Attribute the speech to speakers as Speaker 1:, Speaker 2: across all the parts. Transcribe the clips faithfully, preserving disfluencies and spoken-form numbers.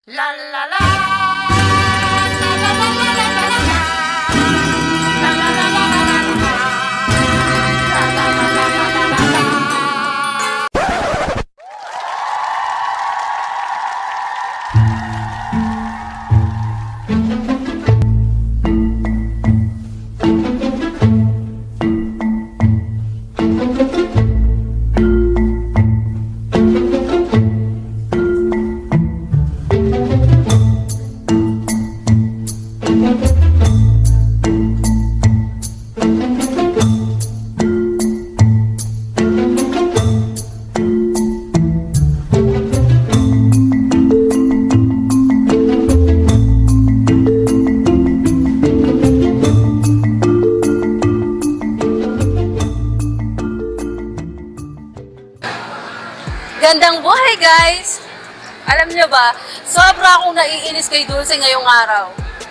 Speaker 1: La la la. La la la la la la la. La la la la la la la. La la la la la la la la.
Speaker 2: Gandang buhay, guys! Alam nyo ba, sobra akong naiinis kay Dulce ngayong araw.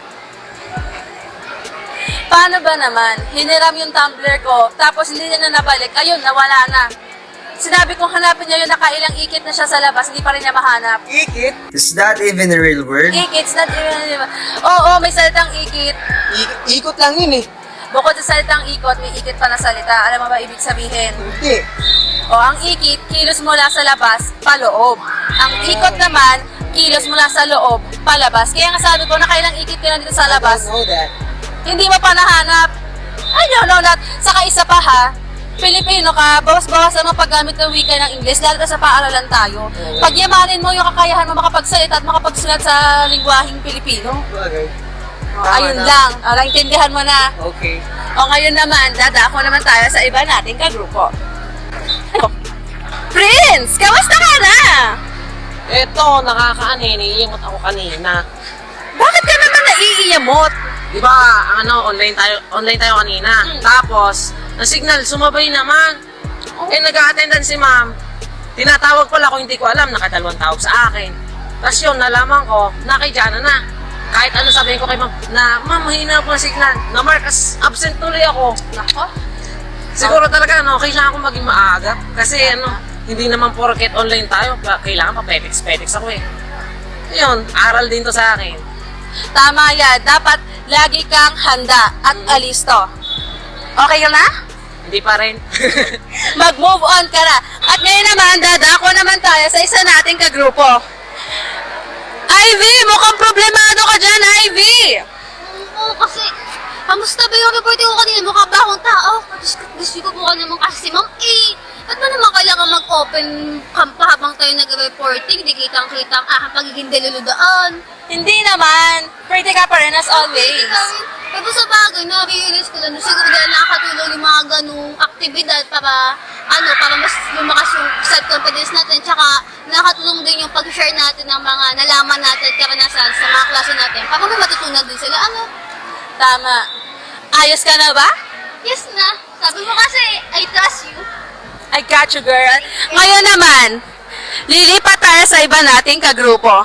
Speaker 2: Paano ba naman? Hiniram yung tumbler ko, tapos hindi niya na nabalik. Ayun, nawala na. Sinabi kong hanapin niya yun, nakailang ikit na siya sa labas, hindi pa rin niya mahanap.
Speaker 3: Ikit? Is that even a real word?
Speaker 2: Ikit's not even... Oo, may salitang ikit.
Speaker 3: I- ikot lang yun eh.
Speaker 2: Bukod sa salitang ikot, may ikit pa na salita. Alam mo ba ibig sabihin?
Speaker 3: Hindi.
Speaker 2: O, ang ikit, kilos mula sa labas, paloob. Ang ikot naman, kilos mula sa loob, palabas. Kaya nga sabi ko, nakailang ikit ka na dito sa labas.
Speaker 3: I don't know that.
Speaker 2: Hindi mo pa nahanap. I don't know that. Saka isa pa ha, Pilipino ka, bawas-bawas ang paggamit ng wika ng Ingles, lalo na sa paaralan tayo. Pagyamanin mo yung kakayahan mo makapagsalita at makapagsulat sa lingwaheng Pilipino.
Speaker 3: Okay.
Speaker 2: O, ayun lang. O, naintindihan mo na.
Speaker 3: Okay.
Speaker 2: O, ngayon naman, dadako naman tayo sa iba nating kagrupo. Prince, kamusta ka na?
Speaker 4: Eto, nakakaano, naiiyamot ako kanina.
Speaker 2: Bakit ka naman naiiyamot?
Speaker 4: Di ba, ang ano, online tayo, online tayo kanina.
Speaker 2: Hmm.
Speaker 4: Tapos, ang signal, sumabay naman. Eh, nag-a-attendance si ma'am. Tinatawag pala ko, hindi ko alam, nakadalawang tawag sa akin. Tapos yun, nalaman ko, nakijana na. Kahit ano sabihin ko kay ma'am, na ma'am, mahina po ang signal. Na-mark as absent tuloy ako.
Speaker 2: Nako.
Speaker 4: Siguro talaga, ano, kailangan ko maging maaga. Kasi ano, hindi naman porket online tayo, kailangan pa pedex-pedex ako eh. Yun, aral din to sa akin.
Speaker 2: Tama yan. Dapat lagi kang handa at alisto. Okay ka na?
Speaker 4: Hindi pa rin.
Speaker 2: Mag-move on ka na. At ngayon naman, dadako naman tayo sa isa nating kagrupo. Ivy, mukhang problemado ka dyan, Ivy!
Speaker 5: Oo, kasi, kamusta ba yung reporting ko kanina? Mukha ba akong tao? Gusto, gusto ko po ka naman kasi si Ma'am A. Ba't ba naman kailangan mag-open cam pa habang tayo nag-reporting? Di kitang-kita ang aking pagiging deluludaan.
Speaker 2: Hindi naman. Pretty ka pa rin as always.
Speaker 5: Pero sa bagay, na-realize ko lang, siguro dahil nakakatulong yung mga ganung aktibidad para, ano, para mas lumakas yung self-confidence natin. Tsaka, nakakatulong din yung pag-share natin ng mga nalaman natin at karanasan sa mga klase natin. Para may matutunan din sila. Ano?
Speaker 2: Tama. Ayos ka na ba?
Speaker 5: Yes na. Sabi mo kasi, I trust you.
Speaker 2: I got you, girl. Ngayon naman, lilipat tayo sa iba nating kagrupo.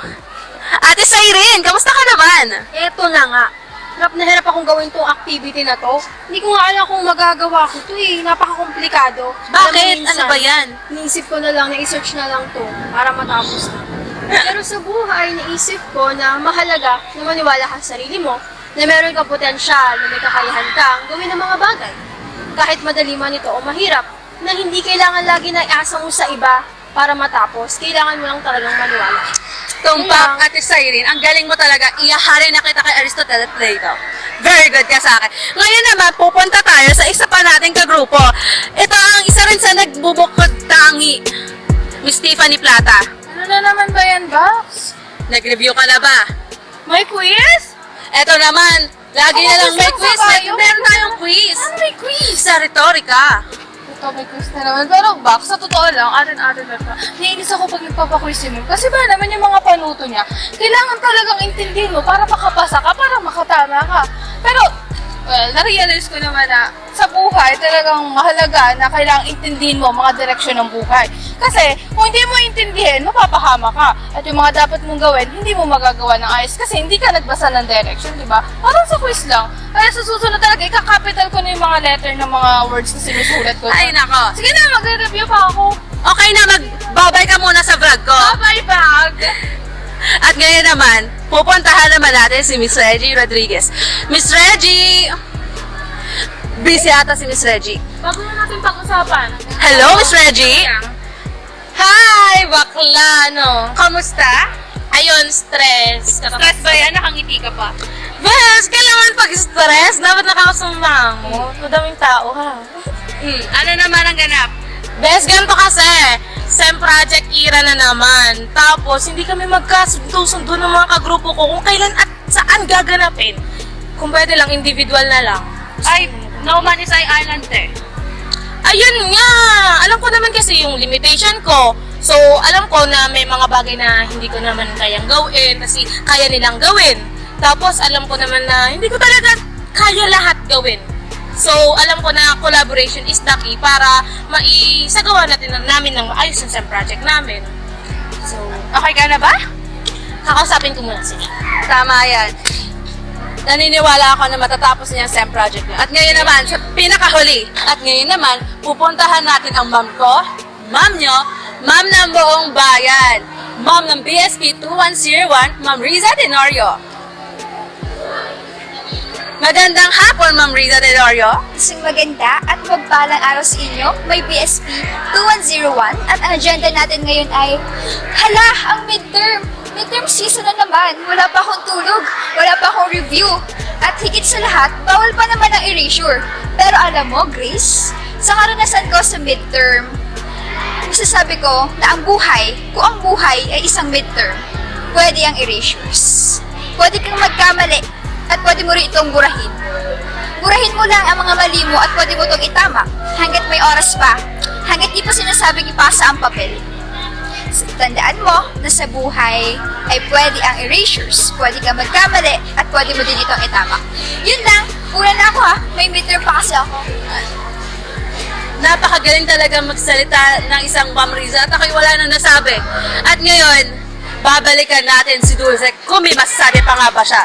Speaker 2: Ate Cyrene, kamusta ka naman?
Speaker 6: Eto na nga. Hirap na hirap akong gawin tong activity na to. Hindi ko nga alam kung magagawa ko to eh. Napaka-komplikado. Alam mo,
Speaker 2: Bakit?
Speaker 6: minsan,
Speaker 2: Ano ba yan?
Speaker 6: Iniisip ko na lang, na-search na lang to para matapos na. Pero sa buhay, naisip ko na mahalaga na maniwala ka sa sarili mo, na meron kang potensyal, na may kakayahan kang gawin ng mga bagay. Kahit madali man ito o mahirap, na hindi kailangan lagi na iasa mo sa iba para matapos. Kailangan mo lang talagang maniwala.
Speaker 2: Tumpak, Ate Cyrene, ang galing mo talaga. Iyahari na kita kay Aristotle at Plato. Very good ka sa akin. Ngayon naman, pupunta tayo sa isa pa nating kagrupo. Ito ang isa rin sa nagbubukod tangi. Miss Tiffany Plata.
Speaker 6: Ano na naman ba yan, Box?
Speaker 2: Nag-review ka na ba?
Speaker 6: May quiz?
Speaker 2: Ito naman, lagi
Speaker 6: Ako,
Speaker 2: na lang may
Speaker 6: gusto ko
Speaker 2: quiz.
Speaker 6: sa
Speaker 2: May,
Speaker 6: bayo.
Speaker 2: meron tayong quiz.
Speaker 6: Ano may quiz?
Speaker 2: Sa retorika.
Speaker 6: Ito, may quiz na naman. Pero Box, sa totoo lang, atin-atin na pa. Naiinis ako pag nagpapaquiz mo. Kasi ba naman yung mga panuto niya, kailangan talagang intindihin mo para makapasa ka, para makatama ka. Pero, well, na-realize ko naman na sa buhay, talagang mahalaga na kailangang intindihin mo ang mga direksyon ng buhay. Kasi, kung hindi mo intindihin, mapapahama ka. At yung mga dapat mong gawin, hindi mo magagawa ng ayos kasi hindi ka nagbasa ng direction, di ba? Parang sa quiz lang. Kaya sa susunod talaga, ika-capital ko na yung mga letter ng mga words na sinusulat ko.
Speaker 2: Ay, nako.
Speaker 6: Sige na, magre-review pa ako.
Speaker 2: Okay na, magbabay ka muna sa vlog ko.
Speaker 6: Bye-bye, bag!
Speaker 2: At ngayon naman, pupuntahan naman natin si Miss Reggie Rodriguez. Miss Reggie! Busy ata si Miss Reggie.
Speaker 6: Bago na natin pag-usapan.
Speaker 2: Hello, Miss Reggie!
Speaker 6: Hi, bakla, no?
Speaker 2: Kamusta?
Speaker 6: Ayun, stress.
Speaker 2: Stress ba yan? Nakangiti ka pa?
Speaker 6: Bes, kailangan pag-stress. Dapat nakakasumang mo. Madaming tao, ha?
Speaker 2: Hmm, ano naman ang ganap?
Speaker 6: Bes, ganito kasi. Sem Project Era na naman. Tapos, hindi kami magkasundo-sundo ng mga kagrupo ko kung kailan at saan gaganapin. Kung pwede lang, individual na lang.
Speaker 2: Ay, no man is island eh.
Speaker 6: Ayun nga! Alam ko naman kasi yung limitation ko. So, alam ko na may mga bagay na hindi ko naman kayang gawin kasi kaya nilang gawin. Tapos, alam ko naman na hindi ko talaga kaya lahat gawin. So, alam ko na collaboration is the key para maisagawa natin na- namin ng maayos yung SEM project namin. So,
Speaker 2: Okay ka na ba?
Speaker 6: kakausapin ko muna sila.
Speaker 2: Tama yan. Naniniwala ako na matatapos niya ang SEM project niya. At ngayon naman, sa pinakahuli, at ngayon naman, pupuntahan natin ang ma'am ko, ma'am nyo, ma'am ng buong bayan, ma'am ng B S P two one zero one, Ma'am Riza Tenorio. Magandang hapon, Ma'am Riza Tenorio.
Speaker 7: Isang maganda at magpalang araw sa inyo. May B S P two one zero one at ang agenda natin ngayon ay, hala, ang midterm. Midterm season na naman. Wala pa akong tulog. Wala pa akong review. At higit sa lahat, bawal pa naman ang erasure. Pero alam mo, Grace, sa karanasan ko sa midterm, masasabi ko na ang buhay, kung ang buhay ay isang midterm, pwede ang erasures. Pwede kang magkamali at pwede mo rin itong burahin. Burahin mo lang ang mga mali mo at pwede mo itong itama hanggat may oras pa, hanggat di pa sinasabing ipasa ang papel. So, tandaan mo na sa buhay ay pwede ang erasures, pwede kang magkamali at pwede mo din itong itama. Yun lang, una na ako ha, may midterm pa kasi ako.
Speaker 2: Napakagaling talaga magsalita ng isang Ma'am Riza at ako'y wala nang nasabi. At ngayon, babalikan natin si Dulce kung may masasabi pa nga ba siya.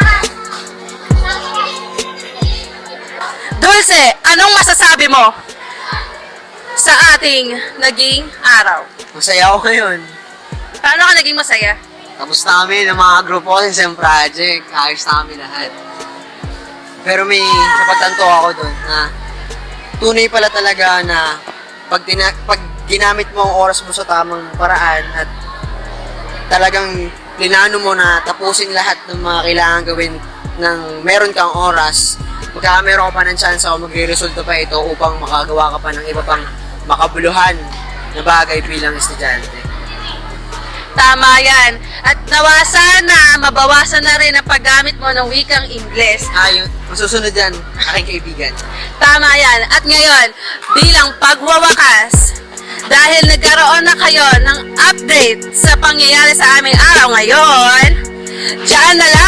Speaker 2: Dulce, anong masasabi mo sa ating naging araw?
Speaker 3: Masaya ako ngayon.
Speaker 2: Paano ka naging masaya?
Speaker 3: Tapos na kami ng mga grupo ko sa SEM Project. Ayos na kami lahat. Pero may napatanto ako doon na tunay pala talaga na pag, tina- pag ginamit mo ang oras mo sa tamang paraan at talagang plinano mo na tapusin lahat ng mga kailangan gawin ng meron kang oras, magkakameron ka pa ng chance o magre-resulta pa ito upang makagawa ka pa ng iba pang makabuluhan na bagay bilang estudyante.
Speaker 2: Tama yan. At nawasan na, mabawasan na rin ang paggamit mo ng wikang Ingles.
Speaker 3: Ayun, masusunod yan, aking kaibigan.
Speaker 2: Tama yan. At ngayon, bilang pagwawakas, dahil nagkaroon na kayo ng update sa pangyayari sa aming araw ngayon, diyan na lang